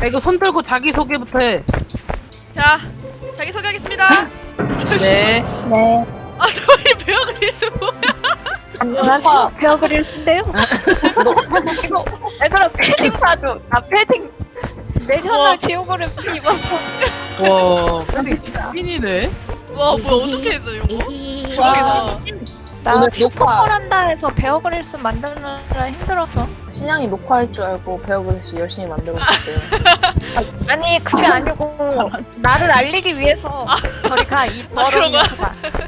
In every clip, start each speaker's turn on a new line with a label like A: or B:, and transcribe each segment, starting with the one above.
A: 이거 손 들고 자기 소개부터 해.
B: 자, 자기 소개하겠습니다.
A: 네.
C: 네.
B: 아, 저희 베어 그릴스 뭐야?
C: 안녕하세요. 베어 그릴스인데요. 이거 얘들아 패딩 사줘. 나 패딩 내셔널 지오그래피 입었어.
A: 와, 근데 찐이네.
B: 와, 뭐야, 어떻게 했어, 이거? 대박이다.
C: 나
D: 오늘
C: 슈퍼걸 한다 해서 베어 그릴스 만드느라 힘들었어.
D: 신양이 녹화할 줄 알고 베어그릴스 열심히 만들었어요.
C: 아니 그게 아니고 나를 알리기 위해서 저리 가. 이
B: 그런
C: 더러운
B: 거야?
C: 녀석아.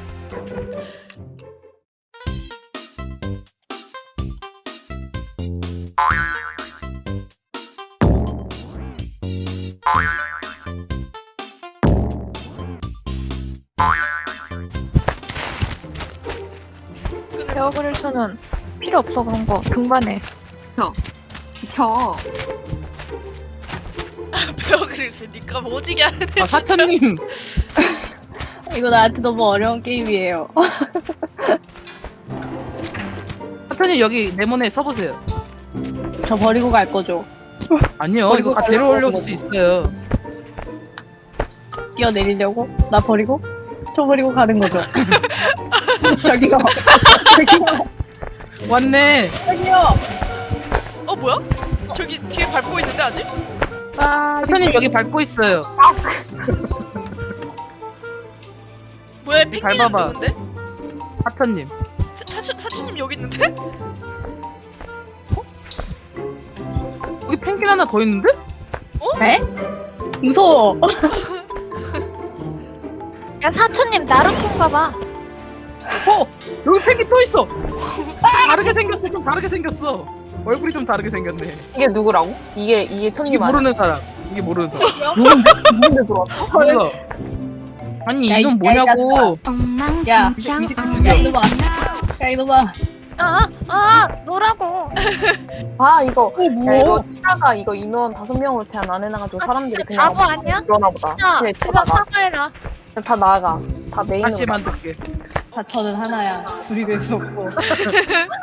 C: 베어 그릴스는 필요 없어. 그런 거 등반해.
D: 켜.
B: 베어 그릴스 니가 오지게 하네, 진짜.
A: 아, 사천님.
E: 이거 나한테 너무 어려운 게임이에요.
A: 사천님 여기 네모네 써보세요.
E: 저 버리고 갈 거죠.
A: 아니요,
E: 버리고
A: 이거
E: 가려고
A: 데려올릴
E: 하는
A: 수 있어요.
E: 뛰어내리려고? 나 버리고? 저 버리고 가는 거죠. 저기요. 저기요.
A: 왔네.
E: 저기요.
B: 어, 뭐야? 저기 뒤에 밟고 있는데, 아직?
E: 아,
A: 사천님 여기 밟고 있어요.
B: 뭐야, 펭귄은
A: 밟아봐.
B: 누군데?
A: 사천님.
B: 사촌님 여기 있는데?
A: 여기 펭귄 하나 더 있는데?
E: 에? 무서워.
C: 야 사촌님 나루토인가 봐.
A: 어! 여기 펭귄 또 있어! 다르게 생겼어, 좀 다르게 생겼어. 얼굴이 좀 다르게 생겼네.
D: 이게 누구라고? 이게
A: 이게
D: 천님 아니야?
A: 모르는 사람. 이게 모르는 사람.
D: 누군데 들어왔어?
A: 몰라. 아니,
E: 야,
A: 이놈
E: 이
A: 뭐냐고.
E: 야,
A: 죽여.
E: 이놈아. 야, 이놈아.
C: 노라고.
D: 아 이거
E: 어,
D: 야
E: 뭐?
D: 이거 치아가 이거 인원 5명으로 제한 안 해놔가지고 사람들이 그냥
C: 바보 아니야?
D: 그러나 보다.
C: 진짜
D: 그래,
C: 진짜
D: 나가.
C: 사과해라.
D: 다 나가. 다 메인으로.
A: 다시 만들게.
E: 다 저는 하나야. 둘이 될 수 없고.